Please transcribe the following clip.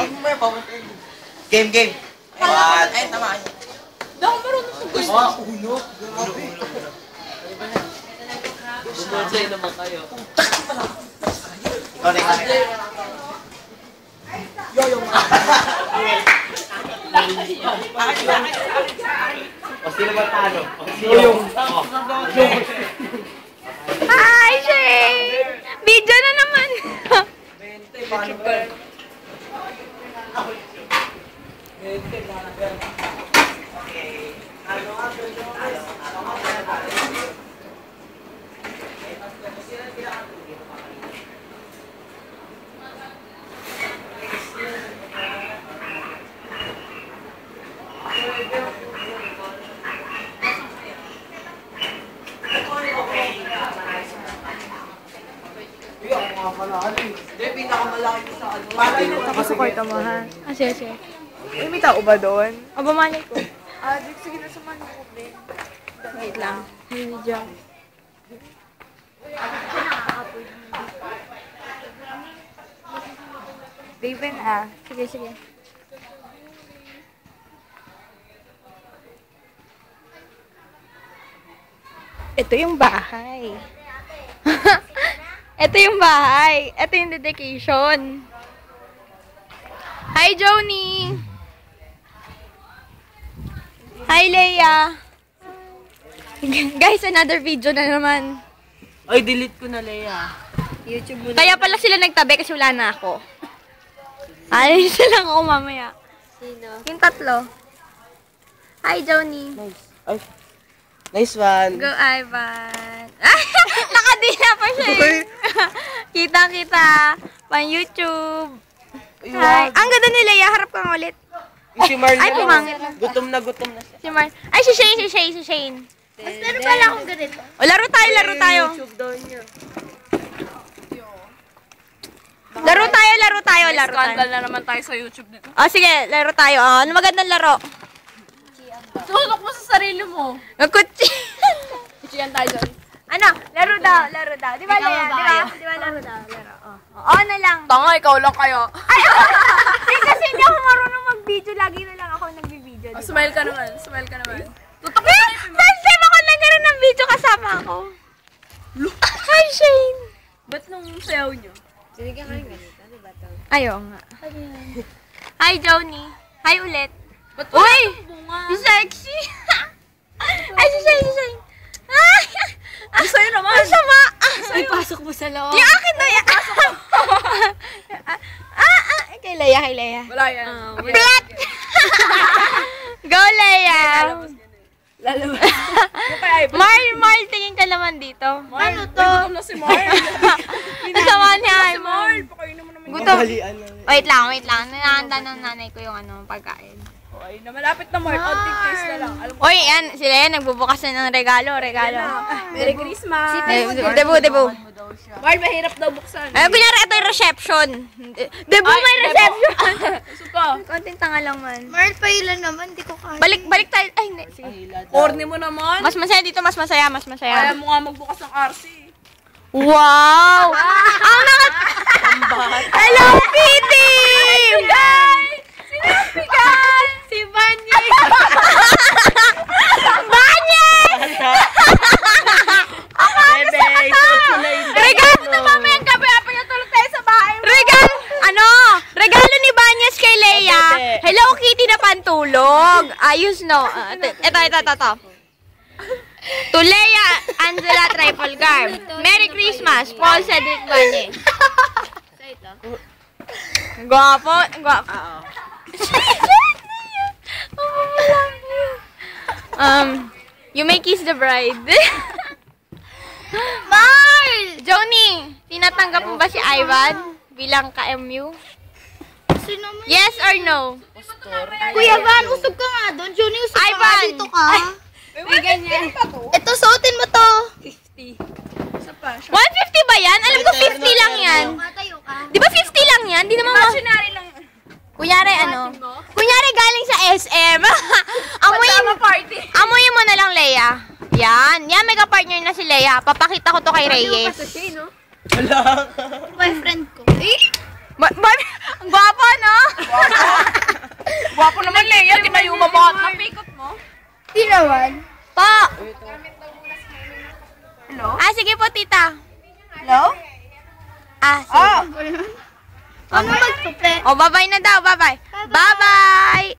Game. Ay, tama. Hindi ako marunong sa gusto. Uno. Bumonsay naman kayo. Yo. O sino ba talo? Hi, Shane! Video na naman! Sa kwarto mo, ha? Ah, sige. Uy, may tao ba doon? O, bumanay ko. Sige na suman ko, Ben. Wait lang. May video. Raven, Sige. Ito yung bahay. Ito yung bahay. Ito yung dedication. Hi, Joni! Hi, Leia! Guys, another video na naman. Ay, delete ko na, Leia. YouTube muna. Kaya pala sila nagtabi kasi wala na ako. Alis lang ako mamaya. Sino? Yung tatlo. Hi, Joni. Nice. Ay. Nice one. Go, Ivan. Nakadila pa siya eh. Kita. Pang YouTube. Hi. Ang ganda ni Leia. Harap kang ulit. Si Marlon. Ay, pumangit na. Gutom na siya. Si Mar. Ay, si Shane. Mas meron pala akong ganito. O, laro tayo. YouTube daw niya. Laro tayo. Scandal na naman tayo sa YouTube dito. O, sige, laro tayo. O, ano magandang laro? Tulok mo sa sarili mo. Kutsi. Kuchiyan tayo dyan. Ano? Laro daw. Di ba, Leia? Di ba, laro daw. O, na lang. Tanga, ikaw lang kayo. Ay, kasi hindi ako marunong mag-video. Lagi na lang ako nag-video. Diba? Smile ka naman. Tutok Eh, first time ako nagkaroon ng video kasama ako. Hi, Shane. Ba't nung sayaw nyo? Sinigyan ka rin ganito, di ba ito? Ayaw nga. Hi, Joni. Hi ulit. Ba't Uy! bunga? Si sexy. Ay, si Shane. Ang sayo naman. Ang sama. Ay, pasok mo sa loob. Yung akin na yan. Kay Leia. Wala yan. Plat! Go, Leia. Lalabas. Yung kay Ivan. Marl, tingin ka naman dito. Ano to? Gutom na si Marl. Kasama niya. Marl, pakainin mo naman. Gutom. Balian na. Wait lang. Nanahanda ng nanay ko yung pagkain. Okay, na malapit na Marl. Onting taste na lang. Alam mo. Uy, yan. Sila yan. Nagbubukas na ng regalo. Merry Christmas. Debu. Marl, mahirap daw buksan. Ay, kunyari, ito yung reception. Debu, may reception. Suka. Konting tanga lang man. Marl, pailan naman, di ko kaya. Balik tayo. Ay, hindi. Sige. Corny mo naman. Mas masaya dito. Mas masaya. Kaya mo nga magbukas ng RC. Wow! Ang Hello, Kitty! Guys! Si Banyes! Banyes! Bebe, isuot ko na yung Regalo na mamayang gabi. Apay natulog tayo sa bahay mo. Regalo ni Banyes kay Leia. Hello, Kitty na pantulog. Ayos, no? Ito. To Leia Angela Trifalgar. Merry Christmas, Paul Cedric Banyes. Guwapo. You may kiss the bride. Marl! Joni, tinatanggap mo ba si Ivan bilang ka-MU? Yes or no? Kuya Van, usog ka nga doon. Juni, usog ka nga Ivan! dito ka. May ganyan. Ito, suotin mo to. 50. Isa pa. 150 ba yan? Alam ko 50 lang yan. Matayo ka. Di ba 50 lang yan? Di naman Imaginary lang. Kunyari Kunyari galing sa SM. Amuyin mo na lang, Leia. Yan, may ka-partner na si Leia. Papakita ko to kay Reyes. Wala. Boyfriend ko. Ang gwapo, no? Di naman. Po. Hello? Ah, sige po, tita. Hello? Ah, sige. Ano mag-suple? Oh, bye-bye na daw. Bye-bye. Bye-bye.